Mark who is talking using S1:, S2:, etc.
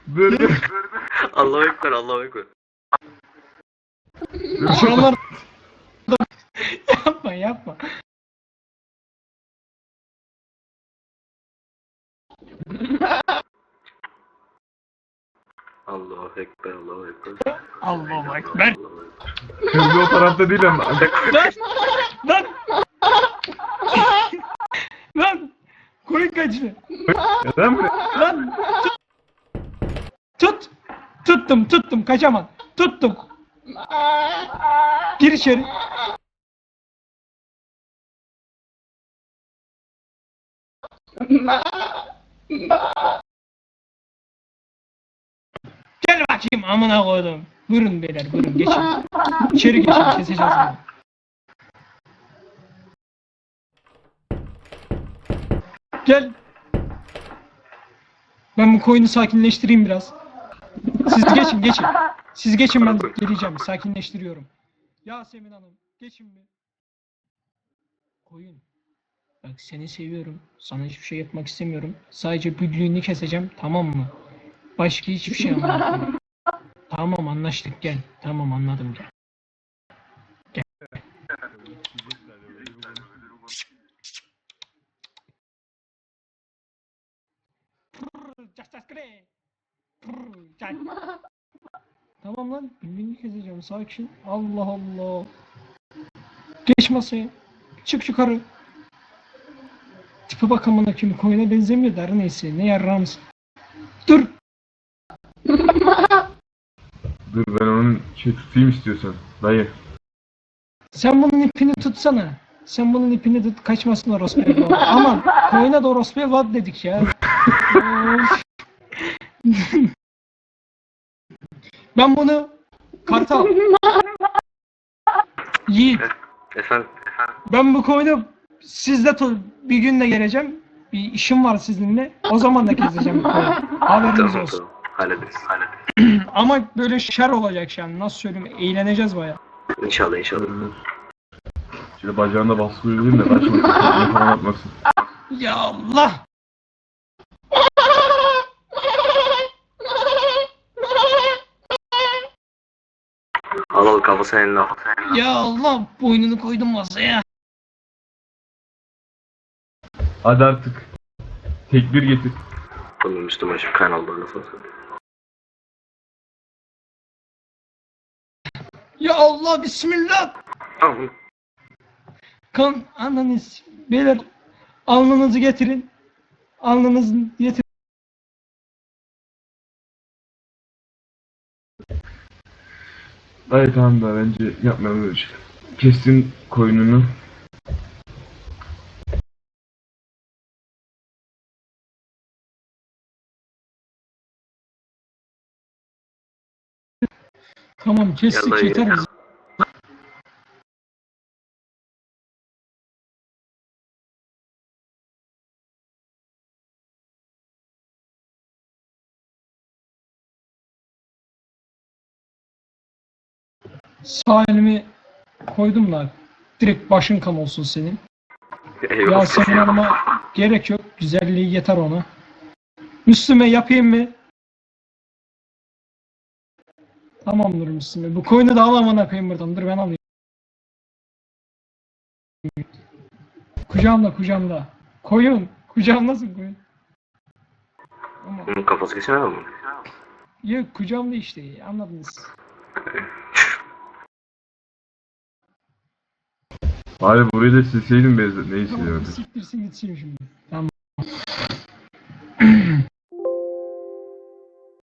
S1: Dur dur.
S2: Allahu Ekber, Allahu Ekber.
S3: Şuralar yapma yapma.
S2: Allahu Ekber, Allahu Ekber.
S3: Allahu Ekber.
S2: Allahu Ekber.
S1: Kırmızı o tarafta değil ama.
S3: Lan! Lan! Lan! Koyun kaçtı.
S1: Neden mi?
S3: Lan! Tut! Tuttum kaçamam. Tuttum. Gir içeri. Gel bakayım amına koydum. Buyurun beyler buyurun geçin. İçeri geçin keseceğiz bunu. Gel. Ben bu koyunu sakinleştireyim biraz. Siz geçin. Siz geçin ben geleceğim. Sakinleştiriyorum. Yasemin Hanım geçin bir. Koyun. Bak seni seviyorum. Sana hiçbir şey yapmak istemiyorum. Sadece büllüğünü keseceğim tamam mı? Başka hiçbir şey anlatmam. Tamam anlaştık gel. Tamam anladım gel. Tamam lan büllüğünü keseceğim sakin. Allah Allah. Geç masaya. Çık yukarı. Tipe bak amına kim koyuna benzemiyor der neyse ne yarrağımız. Dur.
S1: Dur ben onun tutayım istiyorsan. Dayı.
S3: Sen bunun ipini tutsana. Sen bunun ipini tut kaçmasın orospu evladı. Aman koyuna da orospu evladı dedik ya. Of. Ben bunu Kartal. Yiğit.
S2: Efendim,
S3: Ben bu koyunu sizle bir günde geleceğim. Bir işim var sizinle. O zaman da keseceğim bu koyunu. Haberiniz
S2: tamam,
S3: olsun.
S2: tamam. Hallederiz.
S3: Ama böyle şer olacak yani. Nasıl söyleyeyim? Eğleneceğiz baya.
S2: İnşallah, inşallah.
S1: Şöyle bacağında baskı uygulayayım da kaçmasın. Ne falan atmasın.
S3: Ya Allah!
S2: Al kafasını eline al.
S3: Ya Allah! Boynunu koydum masaya.
S1: Hadi artık. Tekbir getir.
S2: Bunun Müslüman şimdi kan oldu nasıl olsa.
S3: Ya Allah! Bismillah!
S2: Tamam.
S3: Kan ananız. Beyler alnınızı getirin. Alnınızı getirin.
S1: Dayı tamam da bence yapmayalım böyle şey. Kestin koyununu.
S3: Tamam kestik
S2: Ya
S3: yeter
S2: ya.
S3: bize. Sağ elimi koydum da direkt başın kan olsun senin.
S2: Eyvallah.
S3: Yasemin Hanım'a gerek yok. Güzelliği yeter ona. Müslüme yapayım mı? Tamamdır Müslüme. Bu koyunu da al amına koyayım buradan. Dur ben alayım. Kucağımda. Koyun. Kucağımdasın koyun. Ama
S2: Bunun kafası kesemez mi?
S3: yok kucağımda işte. Anladınız.
S1: Bari burayı da silseydin Beyza. Ne
S3: Tamam
S1: istiyorsun?
S3: siktirsin gitsin şimdi. Tamam.